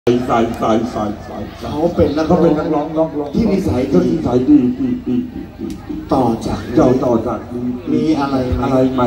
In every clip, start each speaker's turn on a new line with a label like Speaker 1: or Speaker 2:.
Speaker 1: สาย
Speaker 2: เขาเป็นนักร้องที่นิสัยดีต่อจากมีอะไร
Speaker 1: ไม่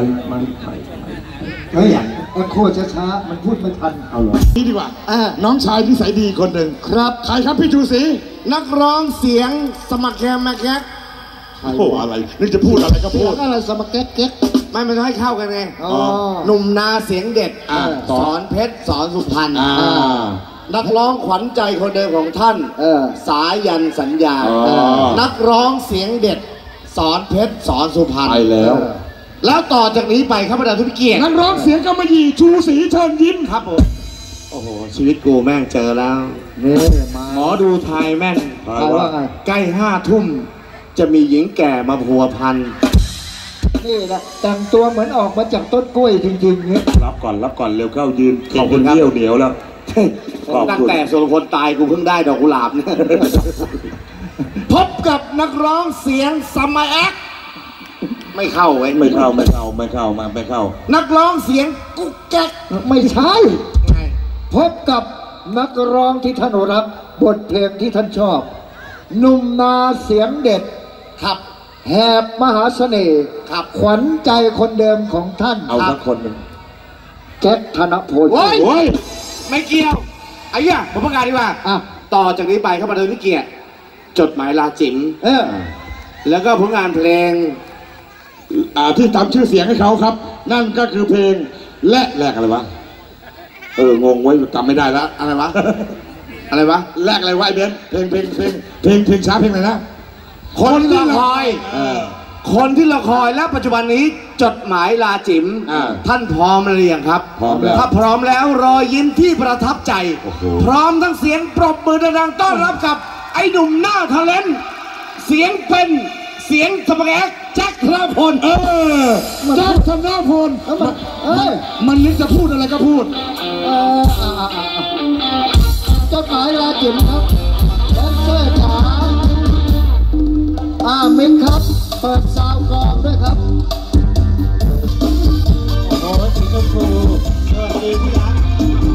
Speaker 2: อย่างแอคโคช้าๆมันพูดไม่ทัน
Speaker 1: เอาหรอนี่ดีกว่าน้องชายนิสัยดีคนหนึ่ง
Speaker 2: ครับ
Speaker 1: ใครครับพี่ชูศรี
Speaker 2: นักร้องเสียงสมัครแคมแมกแคก
Speaker 1: โอ้อะไรนึกจะพูดอะไรก็พูด
Speaker 2: อะไรสมัครแคกไม่มันให้เข้ากันไงหนุ่มนาเสียงเด็ดสอนเพชรสอนสุพรรณนักร้องขวัญใจคนเดิมของท่านสายันสัญญานักร้องเสียงเด็ดสอนเพชรสอนสุพรรณ
Speaker 1: ไป
Speaker 2: แล้วต่อจากนี้ไปครับประธานทุกเกียรติ
Speaker 1: นักร้องเสียงกำมะหยี่ชูศรีเชิญยิ้ม
Speaker 2: ครับผมโอ้โหชีวิตกูแม่งเจอแล้วหมอดูไทยแม่นว่าใกล้5 ทุ่มจะมีหญิงแก่มาพัวพันนี่แหละแต่งตัวเหมือนออกมาจากต้นกล้วยจริงๆเนี่ย
Speaker 1: รับก่อนเร็วเข้ายืนขอบคุณเดี่ยวเหนียวแล้ว
Speaker 2: ตั้งแต่สุรพลตายกูเพิ่งได้ดอกกุหลาบเนี่ยพบกับนักร้องเสียงสมัยแอคไม่เข้า
Speaker 1: ไม่เข้า
Speaker 2: นักร้องเสียงกุ๊กแก๊กไม่ใช่พบกับนักร้องที่ท่านรักบทเพลงที่ท่านชอบหนุ่มนาเสียงเด็ดครับแหบมหาเสน่ห์ครับขวัญใจคนเดิมของท่าน
Speaker 1: เอาสักคนหนึ่ง
Speaker 2: แจ็คธนพลโอ้ยไม่เกี่ยวไอ้ย่าผมประกาศดีกว่าต่อจากนี้ไปครับประธานเกียรติจดหมายลาจิ๋มแล้วก็ผลงานเพลง
Speaker 1: ที่ทำชื่อเสียงให้เขาครับนั่นก็คือเพลงและแรกอะไรวะงงไว้จำไม่ได้แล้ว
Speaker 2: อะไรวะ
Speaker 1: แรกอะไรวะไอ้เบนเพลงช้าเพลงอะไรนะ
Speaker 2: คนที่รอคอยและปัจจุบันนี้จดหมายลาจิ๋มท่านพร้อมหรือยังครับ
Speaker 1: พร้อมแล้ว
Speaker 2: ถ้าพร้อมแล้วรอยยิ้มที่ประทับใจพร้อมทั้งเสียงปรบมือดังๆต้อนรับกับไอ้หนุ่มหน้าทะเลนเสียงเป็นเสียงสมัครแอคแจ็คธนพล
Speaker 1: แจ็คธนพลมันนึกจะพูดอะไรก็พูด
Speaker 2: จดหมายลาจิ๋มครับแดนเซอร์จ๋ามิกครับเปิดซาวกองด้วยครับโอ้โหสีชมพูสวัสดีที่รัก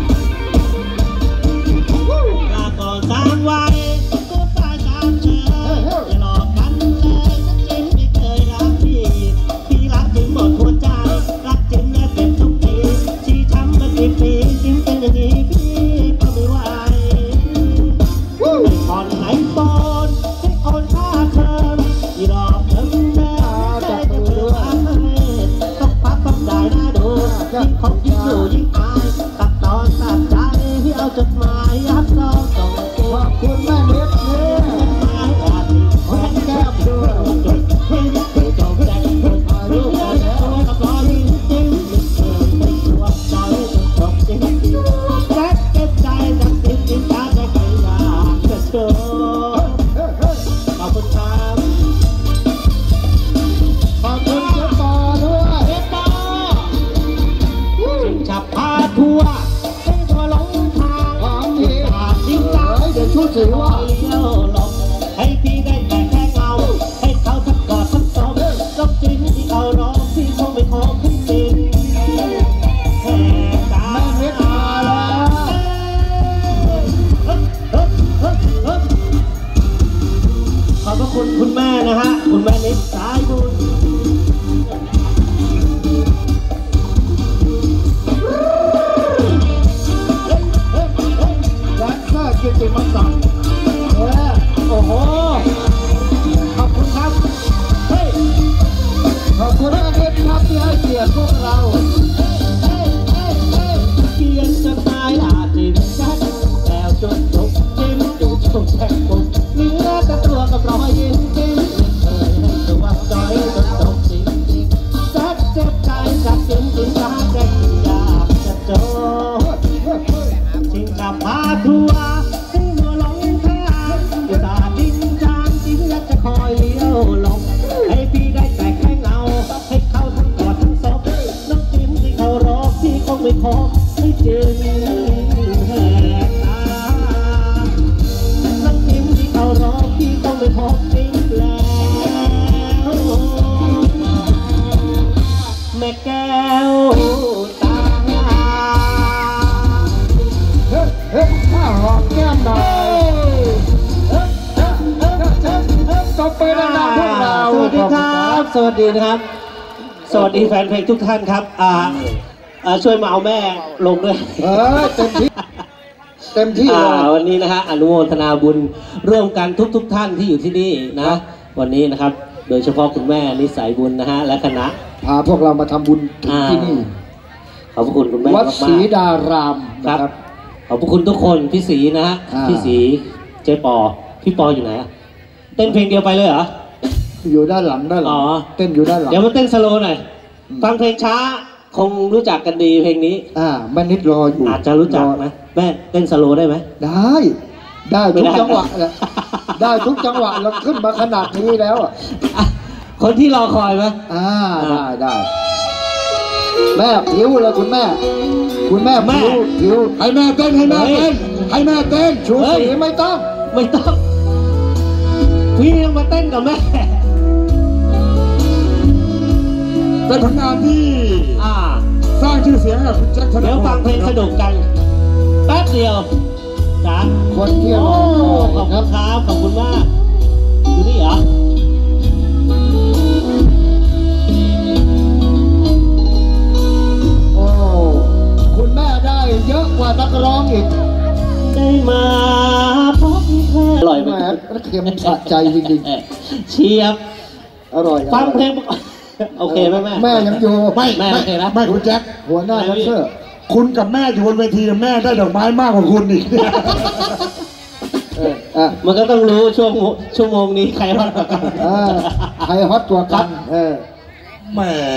Speaker 3: ลาก่อน3 วันก็ตายตามเธออย่าหลอกกันเลยฉันไม่เคยรักพี่รักจริงหมดหัวใจรักจริงและเจ็บทุกทีชี้ช้ำมากี่ปีจิ้มเป็นอย่างนี้พี่ก็ไม่ไหวไม่ผ่อนไหนปอนให้อ่อนค่าเธอที่รอบเธอได้จะเชื่อต้องพักต้องได้น่าดูยิ่งคบยิ่งอยู่ยิ่งอายตัดตอนตัดใจที่เอาจดหมายยัดซองส่งเก็บ
Speaker 2: ขอบคุณแม่เล็กเนี่ย
Speaker 3: หมายอาจมีคนแก้มดูจดให้เกิดจบใจรู้แล้วกับรอยจริงไม่เคยไม่ตัวใจจบจริงรักเก็บใจจากสิ่งที่ฉันได้เคยอยากจะเจอขอบคุณครับ
Speaker 2: ขอบคุณเจ๊ปอด้วย
Speaker 3: เจ๊ปอจึงจะพาทัวร์ให้ทัวร์หลงทาง
Speaker 2: ของพี่
Speaker 3: จริงจัง
Speaker 2: เดี๋ยวชูถือว่า
Speaker 3: เลี้ยวหลงให้พี่ได้แต่แค่เงาให้เขาทั้งกอดทั้งสมก็จริงที่เขาร้องพี่คงไม่ขอขึ้นจริงแค่ตา
Speaker 2: แม่เล็กมาแล้ว
Speaker 3: ขอบพระคุณคุณแม่นะฮะคุณแม่เล็กสายบุญ
Speaker 2: แดนเซอร์กิตติมศักดิ์โอ้โหขอบคุณครับเฮ้ยขอบคุณอาเดนครับที่ให้เกียรติพวกเรา
Speaker 3: เขียนจดหมายลาจิ๋มชัดแล้วจนจบจิ้มจุดชมแทงปุ๊บเนื้อแต่ตัวกับรอยยิ้มจิ้มเคยให้ตัวใจจนจบจริงแซ่บเจ็บใจจากจิ้มจิ้มรักแค่อยากจะจบจริงกับพาทัวร์ให้หัวหลงทางอุตส่าห์ดิ้นจางจริงและจะคอยเลี้ยวหลงให้พี่ได้แต่แค่เงาให้เขาทั้งกอดทั้งศพน้องจิ้มที่เขารอพี่คงไม่ขอไม่จริงแหกตาน้องจิ้มที่เขารอพี่คงไม่ขอจริงแล้วแม่แก้วตา
Speaker 2: เฮ้ยอมแก้มหน่อยตบไปดังๆพวกเรา
Speaker 3: สวัสดีครับ สวัสดีนะครับ สวัสดีแฟนเพลงทุกท่านครับช่วยมาเอาแม่ลงด้วย
Speaker 2: เต็มที่เต็มที่เลย
Speaker 3: วันนี้นะฮะอนุโมทนาบุญร่วมกันทุกท่านที่อยู่ที่นี่นะวันนี้นะครับโดยเฉพาะคุณแม่นิสัยบุญนะฮะและคณะ
Speaker 2: พาพวกเรามาทำบุญถึงที่นี่
Speaker 3: ขอบพระคุณคุณแม่
Speaker 2: วัด
Speaker 3: มาก
Speaker 2: ศรีดาราม
Speaker 3: ๆค
Speaker 2: นะ
Speaker 3: รับ
Speaker 2: ครับ
Speaker 3: ขอบพระคุณทุกคนพี่ศรีนะฮะพี่ศรีเจ๊ปอพี่ปออยู่ไหนอะเต้นเพลงเดียวไปเลยเหรอ
Speaker 2: อยู่ด้านหลัง
Speaker 3: อ๋อ
Speaker 2: เต้นอยู่ด้านหลัง
Speaker 3: เดี๋ยวมาเต้นสโลว์หน่อยฟังเพลงช้าคงรู้จักกันดีเพลงนี้
Speaker 2: แม่นิดรออยู่
Speaker 3: อาจจะรู้จักนะแม่เต้นสโลว์ได้ไหม
Speaker 2: ได้ทุกจังหวะแหละได้ทุกจังหวะเราขึ้นมาขนาดนี้แล้ว
Speaker 3: คนที่รอคอยไหม
Speaker 2: ได้แม่ผิวเลยคุณแม่ผิว
Speaker 1: ให้แม่เต้นให้แม่เต้นให้แม่เต้น
Speaker 2: ชูสีไม่ต้อง
Speaker 3: พี่ยังมาเต้นกับแม่
Speaker 1: เป็นผลงานที่สร้างชื่อเสียงให้กับคุณแจ็คธนพล
Speaker 3: เดี๋ยวฟังเพลงสนุกกันแป๊บเดียวจ้า
Speaker 2: คนที่รอ
Speaker 3: ขอบคุณครับขอบคุณมากอยู่นี่เหรอ
Speaker 2: โอ้คุณแม่ได้เยอะกว่านักร้องอีก
Speaker 3: ได้มาพบเธออร่อยไหม
Speaker 2: แม่เค็มสะใจจริง
Speaker 3: เชียบ
Speaker 2: ๆอร่อย
Speaker 3: ฟังเพลงโอเคไหมแม่
Speaker 2: แม่ยังอยู่
Speaker 1: ไม่
Speaker 3: แม่โอเคนะ
Speaker 1: ไม่คุณแจ็ค
Speaker 2: หัวหน้าแดนเซอร์
Speaker 1: คุณกับแม่อยู่บนเวทีแม่ได้ดอกไม้มากกว่าคุณอีก
Speaker 3: มันก็ต้องรู้ชั่วโมงนี้ใครฮอตกว่ากัน
Speaker 2: ใครฮอตตัวกัน
Speaker 1: แหม่